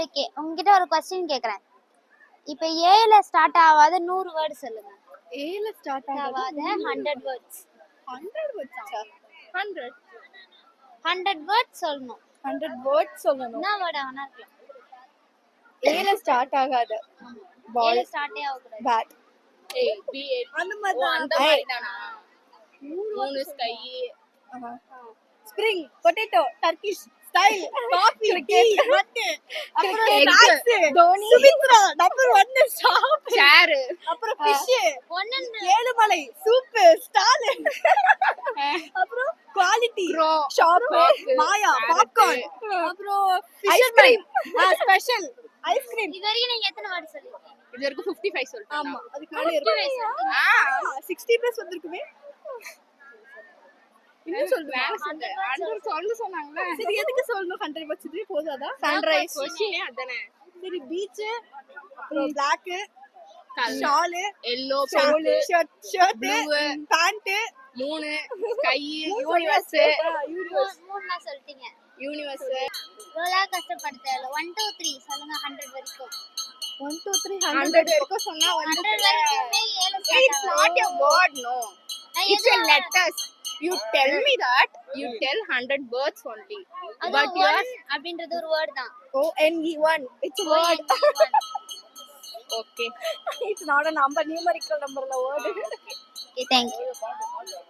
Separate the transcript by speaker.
Speaker 1: Okay, உங்ககிட்ட ஒரு question கேக்குறேன். இப்போ ஏல ஸ்டார்ட் ஆகாத 100 வேர்ட் சொல்லுங்க.
Speaker 2: ஏல ஸ்டார்ட்
Speaker 1: ஆகாத 100 வேர்ட்ஸ்.
Speaker 2: 100 வேர்ட்ஸா? 100
Speaker 1: 100 வேர்ட்ஸ் சொல்லணும்.
Speaker 2: 100 வேர்ட்ஸ் சொல்லணும்.
Speaker 1: என்ன வேர்ட் ஆனா இருக்கலாம்.
Speaker 2: ஏல ஸ்டார்ட் ஆகாத
Speaker 1: ஏல
Speaker 2: பால்
Speaker 1: ஸ்டார்ட்டே ஆக கூடாது.
Speaker 2: பேட்
Speaker 3: அந்த மாதிரி தானா? 3 sky,
Speaker 2: spring potato Turkish style coffee tea மட்டு அப்புறம் snacks Dhoni Sumithra number 1 shop
Speaker 3: சேர்,
Speaker 2: அப்புறம் ஃபிஷ்
Speaker 1: ஒண்ணு
Speaker 2: ஏழுமலை சூப் ஸ்டால் அப்புறம் குவாலிட்டி ஷாப் மாயா பாப்கார்ன் அப்புறம் ஐஸ்கிரீம் ஸ்பெஷல் ஐஸ்கிரீம்.
Speaker 1: இது வரைக்கும் நீங்க எத்தனை வேர்ட் சொல்லிருக்கீங்க?
Speaker 3: இது வரைக்கும் 55 சொல்லிட்டேன்.
Speaker 2: ஆமா அதுக்கு மேல இருக்கு. 60 பிளஸ் வந்திருக்குமே. இன்னும் சொல்லுங்க.
Speaker 3: 100 சொன்னாங்க.
Speaker 2: சரி எதுக்கு சொல்லணும் 100 வச்சது போதாதா? சன்ரைஸ்
Speaker 3: கொஸ்டினே அதானே.
Speaker 2: சரி பீச் அப்புறம் black shawl
Speaker 3: yellow,
Speaker 2: shawl shirt pant
Speaker 3: 3 sky, universe,
Speaker 1: மூணுனா சொல்லிட்டீங்க.
Speaker 3: யூனிவர்ஸ்.
Speaker 1: இவ்வளோ கஷ்டப்பட்டு 1 2 3 சொல்லுங்க 100 வரைக்கும்.
Speaker 2: 1 2 3
Speaker 3: 100 வரைக்கும் சொன்னா
Speaker 1: 100 வரைக்குமே ஏல
Speaker 3: it's not a word, no. It's a letters. You tell me that you tell 100 words only.
Speaker 1: but
Speaker 3: you are
Speaker 1: அப்படின்றது ஒரு வேர்ட் தான்.
Speaker 2: ONE1 it's a word.
Speaker 3: okay.
Speaker 2: It's not a number, numerical number la word.
Speaker 1: Okay, thank you.